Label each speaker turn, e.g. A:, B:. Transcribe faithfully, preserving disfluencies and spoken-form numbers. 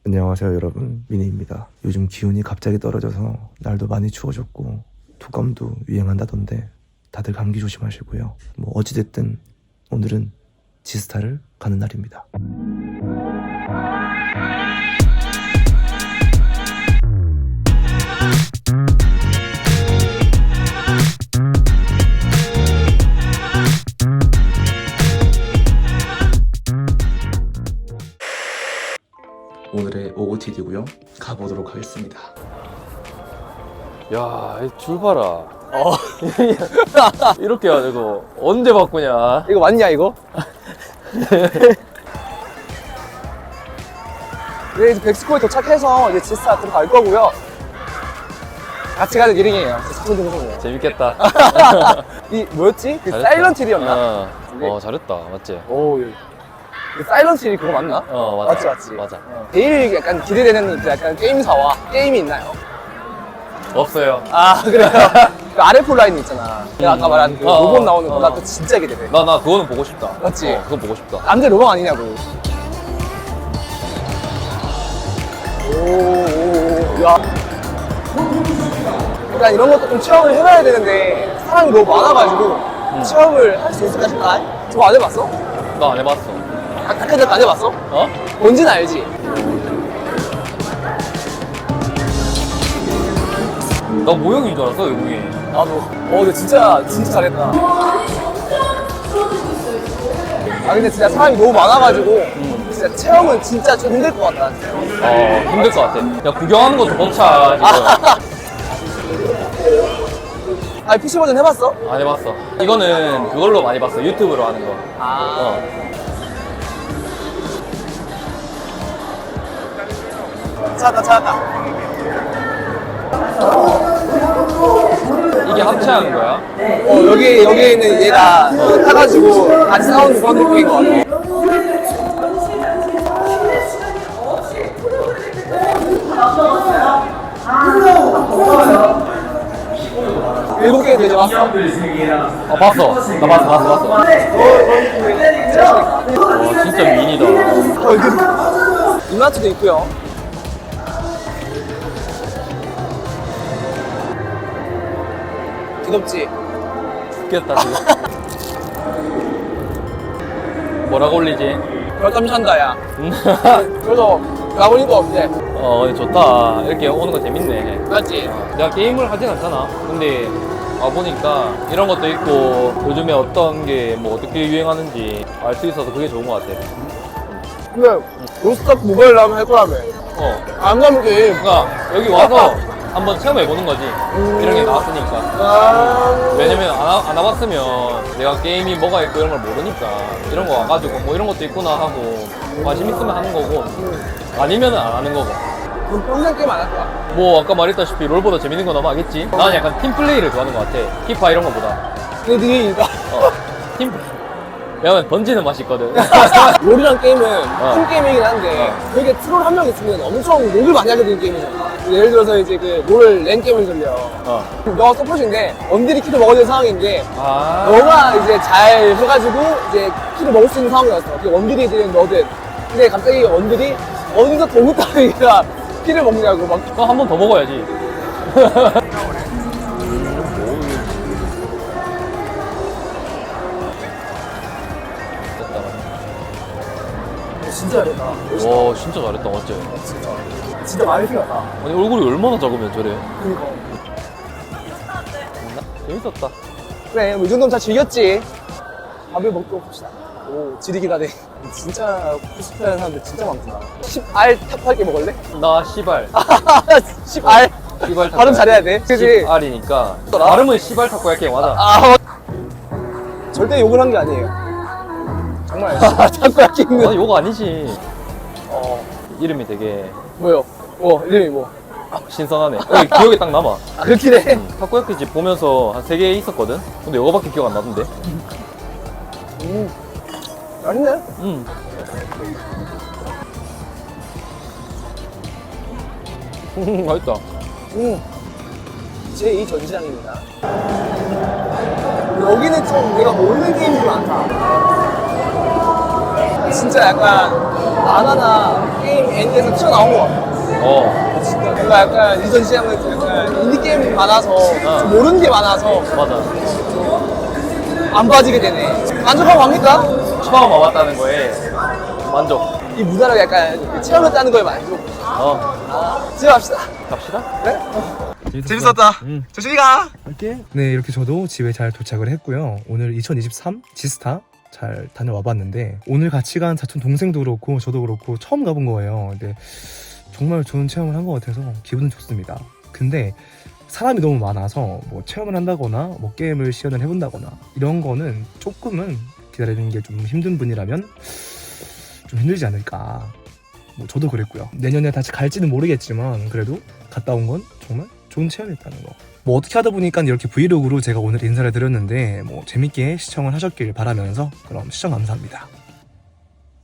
A: 안녕하세요 여러분, 미니입니다. 요즘 기온이 갑자기 떨어져서 날도 많이 추워졌고 독감도 유행한다던데 다들 감기 조심하시고요. 뭐 어찌됐든 오늘은 지스타를 가는 날입니다. 오늘의 오오티디고요. 가보도록 하겠습니다.
B: 야, 줄 봐라. 어. 이렇게 해가지고 언제 바꾸냐?
C: 이거 맞냐 이거? 네, 이제 백스코에 도착해서 이제 지스타 들어갈 거고요. 같이 가는 일행이에요. 사촌 동생이에요.
B: 재밌겠다.
C: 이 뭐였지? 그
B: 잘했다.
C: 사일런트 힐이었나?
B: 어, 어, 잘했다. 맞지?
C: 오, 예. 그 사일런트 힐이 그거 맞나?
B: 어, 맞아.
C: 맞지, 맞지.
B: 맞아.
C: 어. 제일 약간 기대되는 그 약간 게임사와 게임이 있나요?
B: 없어요.
C: 아, 그래요? 그 아르에프 라인 있잖아. 내가 아까 말한 그
B: 어,
C: 로봇
B: 어,
C: 나오는 거,
B: 어.
C: 나 그거 진짜 기대돼.
B: 나, 나 그거는 보고 싶다.
C: 맞지?
B: 어, 그건 보고 싶다.
C: 남자 로봇 아니냐고. 오, 오, 오, 야. 일단 이런 것도 좀 체험을 해봐야 되는데 사람이 너무 많아가지고
B: 음.
C: 체험을 할 수 있을까 싶다. 저거 안 해봤어?
B: 나 안 해봤어.
C: 아, 다크작 안 해봤어?
B: 어?
C: 뭔지는 알지?
B: 나 모형인 줄 알았어, 외국인.
C: 나도. 어, 근데 진짜 진짜 잘했다. 아, 근데 진짜 사람이 너무 많아가지고
B: 음.
C: 진짜 체험은 진짜 좀 힘들 것 같다.
B: 어, 힘들 것 같아. 야, 구경하는 것도 벅차, 지금.
C: 아, 피씨 버전 해봤어?
B: 안 해봤어. 이거는 그걸로 많이 봤어. 유튜브로 하는 거.
C: 아.
B: 어.
C: 찾았다, 찾았다.
B: 이게 합체하는 거야?
C: 어, 여기, 여기에 있는 얘가 타가지고 같이 싸우는 그런 느낌인 것 같아. 일곱 개 되죠?
B: 어, 봤어. 나 봤어, 봤어, 봤어. 와, 진짜 미인이다.
C: 이마트도 있고요. 귀엽지?
B: 죽겠다, 지금. 뭐라고 올리지?
C: 별감 산다, 야. 그래서 가보니까 없네.
B: 어, 근데 좋다. 이렇게 오는 거 재밌네.
C: 맞지?
B: 내가 게임을 하진 않잖아. 근데 와보니까 이런 것도 있고 요즘에 어떤 게 뭐 어떻게 유행하는지 알 수 있어서 그게 좋은 것 같아.
C: 근데 로스트아크 모바일 나오면 할 거라며.
B: 어.
C: 안 가면 돼.
B: 그러니까 여기 와서 한번 체험해보는 거지. 이런 게 나왔으니까.
C: 아...
B: 왜냐면 안, 와- 안 와봤으면 내가 게임이 뭐가 있고 이런 걸 모르니까 이런 거 와가지고 뭐 이런 것도 있구나 하고 관심 있으면 하는 거고 아니면은 안 하는 거고.
C: 그럼 평생 게임 안 할 거야.
B: 뭐 아까 말했다시피 롤보다 재밌는 건 아마 알겠지? 나는 약간 팀플레이를 좋아하는 것 같아. 피파 이런 거보다.
C: 근데 되게 이거
B: 어, 팀 왜냐면 던지는 맛이 있거든.
C: 롤이란 게임은
B: 어.
C: 팀 게임이긴 한데 되게 트롤 한 명 있으면 엄청 롤을 많이 하게 되는 게임이잖아. 예를 들어서 이제 그 롤 랜 게임을 돌려.
B: 어.
C: 너가 서포트인데 원딜이 키를 먹어야 되는 상황인데
B: 아.
C: 너가 이제 잘 해가지고 이제 키를 먹을 수 있는 상황이었어. 그 원딜이 되는 너든. 근데 갑자기 원딜이 어디서 도구 따위가 키를 먹냐고 막.
B: 그럼 한 번 더 먹어야지.
C: 진짜 잘했다.
B: 와 진짜 잘했다 맞지?
C: 진짜. 진짜 많이 생겼다.
B: 아니 얼굴이 얼마나 작으면 저래?
C: 그니까.
B: 재밌었다.
C: 그래, 뭐 이 정도면 다 즐겼지. 밥을 먹고 봅시다. 오, 지리기다네. 진짜 코스프레하는 사람들 진짜 많구나. 십 알 탑팔게 먹을래?
B: 나 시발.
C: 십 알?
B: 시발 타코.
C: 발음 잘해야 돼. 그치?
B: 시발이니까. 발음은 시발 타코야끼 맞아.
C: 아, 절대 욕을 한 게 아니에요. 정말 타코야끼 있는.
B: 아, 욕 아니지.
C: 어,
B: 이름이 되게
C: 뭐요? 어, 이름이 뭐?
B: 신선하네. 여기 기억에 딱 남아.
C: 아, 그렇긴 해.
B: 타코야끼 집 보면서 한 세 개 있었거든? 근데 이거밖에 기억 안 나던데?
C: 음, 맛있네.
B: 음. 음, 맛있다.
C: 음, 제이 전시장입니다. 여기는 좀 내가 모르는 게임이 많다. 진짜 약간 만화나 게임 애니에서 튀어나온 것 같아.
B: 어,
C: 뭔가 약간 이전 시장은 약간 인디게임이 많아서
B: 어.
C: 좀 모르는 게 많아서
B: 맞아.
C: 안 빠지게 되네. 만족하고 갑니까?
B: 처음 와봤다는 거에 만족.
C: 이 문화를 약간 체험했다는 거에 만족.
B: 어,
C: 집에 갑시다.
B: 갑시다.
C: 그래?
A: 재밌었다.
B: 응.
A: 조심히 가.
B: 갈게.
A: 네, 이렇게 저도 집에 잘 도착을 했고요. 오늘 이천이십삼 지스타 잘 다녀와 봤는데 오늘 같이 간 사촌 동생도 그렇고 저도 그렇고 처음 가본 거예요. 근데 정말 좋은 체험을 한 것 같아서 기분은 좋습니다. 근데 사람이 너무 많아서 뭐 체험을 한다거나 뭐 게임을 시연을 해본다거나 이런 거는 조금은 기다리는 게 좀 힘든 분이라면 좀 힘들지 않을까. 뭐 저도 그랬고요. 내년에 다시 갈지는 모르겠지만 그래도 갔다 온 건 정말 좋은 체험이었다는 거. 뭐 어떻게 하다 보니까 이렇게 브이로그로 제가 오늘 인사를 드렸는데 뭐 재밌게 시청을 하셨길 바라면서 그럼 시청 감사합니다.